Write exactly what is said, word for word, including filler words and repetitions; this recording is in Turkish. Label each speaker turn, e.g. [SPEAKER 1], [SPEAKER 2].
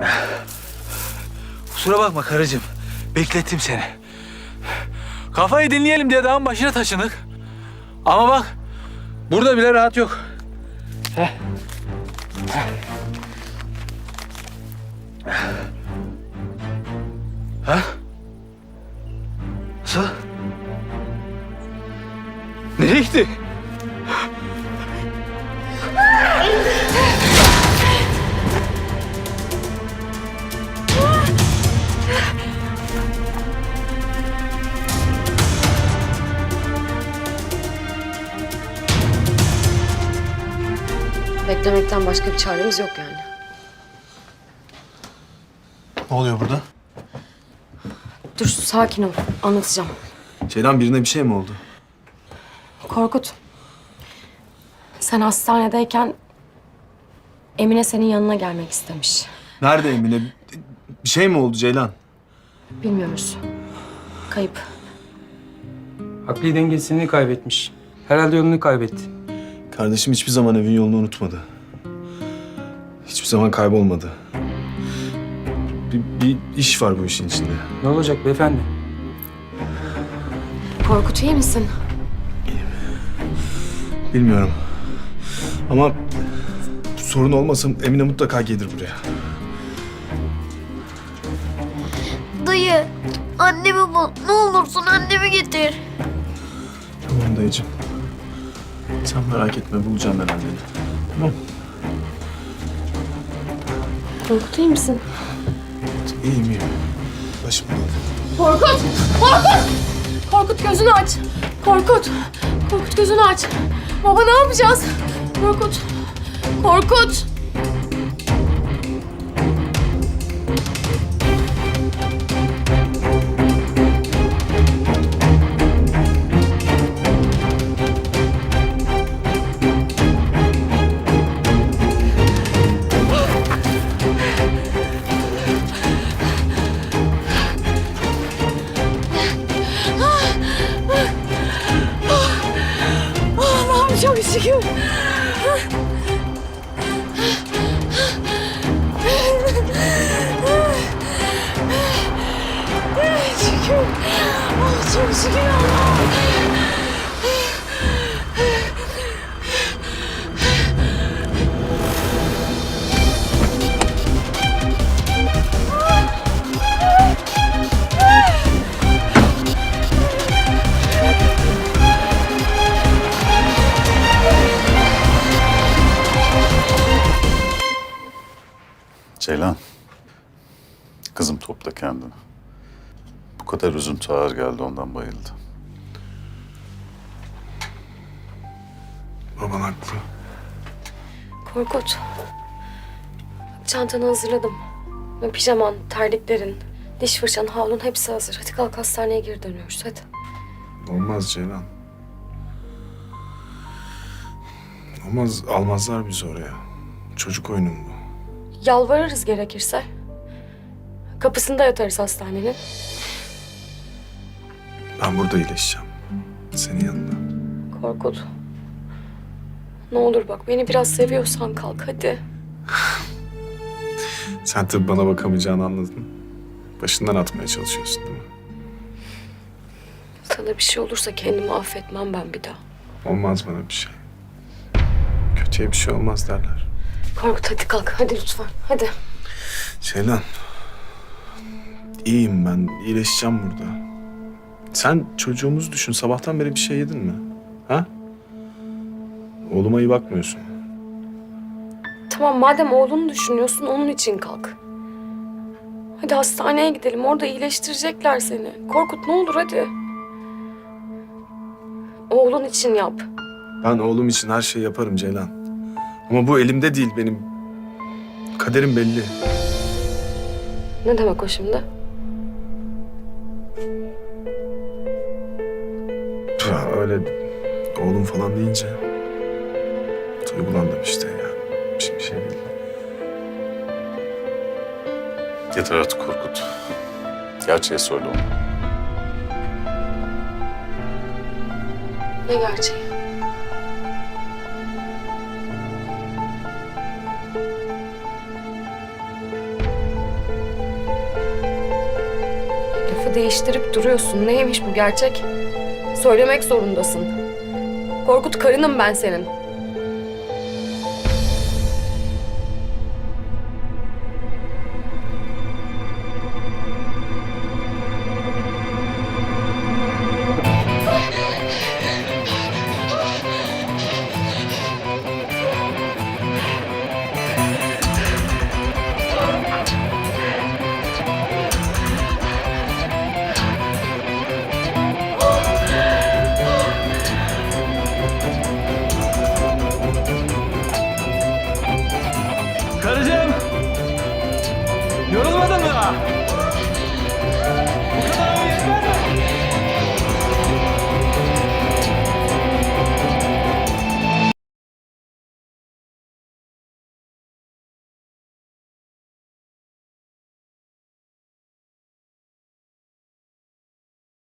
[SPEAKER 1] Kusura bakma karıcığım. Beklettim seni. Kafayı dinleyelim diye dağın başına taşındık. Ama bak, burada bile rahat yok. Heh. Ha? Nasıl? Nereye gitti?
[SPEAKER 2] Beklemekten başka bir çaremiz yok yani.
[SPEAKER 3] Ne oluyor burada?
[SPEAKER 2] Dur sakin ol, anlatacağım.
[SPEAKER 3] Ceylan, birine bir şey mi oldu?
[SPEAKER 2] Korkut, sen hastanedeyken Emine senin yanına gelmek istemiş.
[SPEAKER 3] Nerede Emine? Bir şey mi oldu Ceylan?
[SPEAKER 2] Bilmiyoruz. Kayıp.
[SPEAKER 4] Akli dengesini kaybetmiş. Herhalde yolunu kaybetti.
[SPEAKER 3] Kardeşim hiçbir zaman evin yolunu unutmadı. Hiçbir zaman kaybolmadı. Bir, bir iş var bu işin içinde.
[SPEAKER 4] Ne olacak beyefendi?
[SPEAKER 2] Korkut iyi misin?
[SPEAKER 3] Bilmiyorum. Ama sorun olmasa Emine mutlaka gelir buraya.
[SPEAKER 5] Dayı, annemi bul. Ne olursun annemi getir.
[SPEAKER 3] Tamam dayıcığım. Sen merak etme, bulacağım ben anneni. Tamam.
[SPEAKER 2] Korkut iyi misin?
[SPEAKER 3] İyiyim iyiyim. Başım dönüyor.
[SPEAKER 2] Korkut! Korkut! Korkut gözünü aç. Korkut! Korkut gözünü aç. Baba ne yapacağız? Korkut! Korkut! Allah'ım çok şükür. Şükür. Oh, çok şükür Allah'ım.
[SPEAKER 6] Ceylan, kızım topla kendini. Bu kadar üzüntü ağır geldi, ondan bayıldı.
[SPEAKER 3] Baban haklı.
[SPEAKER 2] Korkut. Çantanı hazırladım. Pijaman, terliklerin, diş fırçan, havlun hepsi hazır. Hadi kalk hastaneye geri dönüyoruz hadi.
[SPEAKER 3] Olmaz Ceylan. Olmaz, almazlar bizi oraya. Çocuk oyunu mu bu?
[SPEAKER 2] Yalvarırız gerekirse. Kapısında yatarız hastanenin.
[SPEAKER 3] Ben burada iyileşeceğim. Senin yanında.
[SPEAKER 2] Korkut. Ne olur bak beni biraz seviyorsan kalk hadi.
[SPEAKER 3] Sen tabii bana bakamayacağını anladın. Başından atmaya çalışıyorsun değil mi?
[SPEAKER 2] Sana bir şey olursa kendimi affetmem ben bir daha.
[SPEAKER 3] Olmaz bana bir şey. Kötüye bir şey olmaz derler.
[SPEAKER 2] Korkut hadi kalk hadi lütfen hadi.
[SPEAKER 3] Ceylan. İyiyim ben. İyileşeceğim burada. Sen çocuğumuzu düşün. Sabahtan beri bir şey yedin mi? Ha? Oğluma iyi bakmıyorsun.
[SPEAKER 2] Tamam madem oğlunu düşünüyorsun onun için kalk. Hadi hastaneye gidelim orada iyileştirecekler seni. Korkut ne olur hadi. Oğlun için yap.
[SPEAKER 3] Ben oğlum için her şeyi yaparım Ceylan. Ama bu elimde değil benim. Kaderim belli.
[SPEAKER 2] Ne demek o şimdi?
[SPEAKER 3] Ya öyle oğlum falan deyince duygulandım işte ya. Bir şey, bir şey değil.
[SPEAKER 6] Yeter artık Korkut. Gerçeği söyle ona.
[SPEAKER 2] Ne gerçeği? lafı değiştirip duruyorsun. Neymiş bu gerçek? Söylemek zorundasın. Korkut, karınım ben senin.
[SPEAKER 1] Karıcığım! Yorulmadın mı?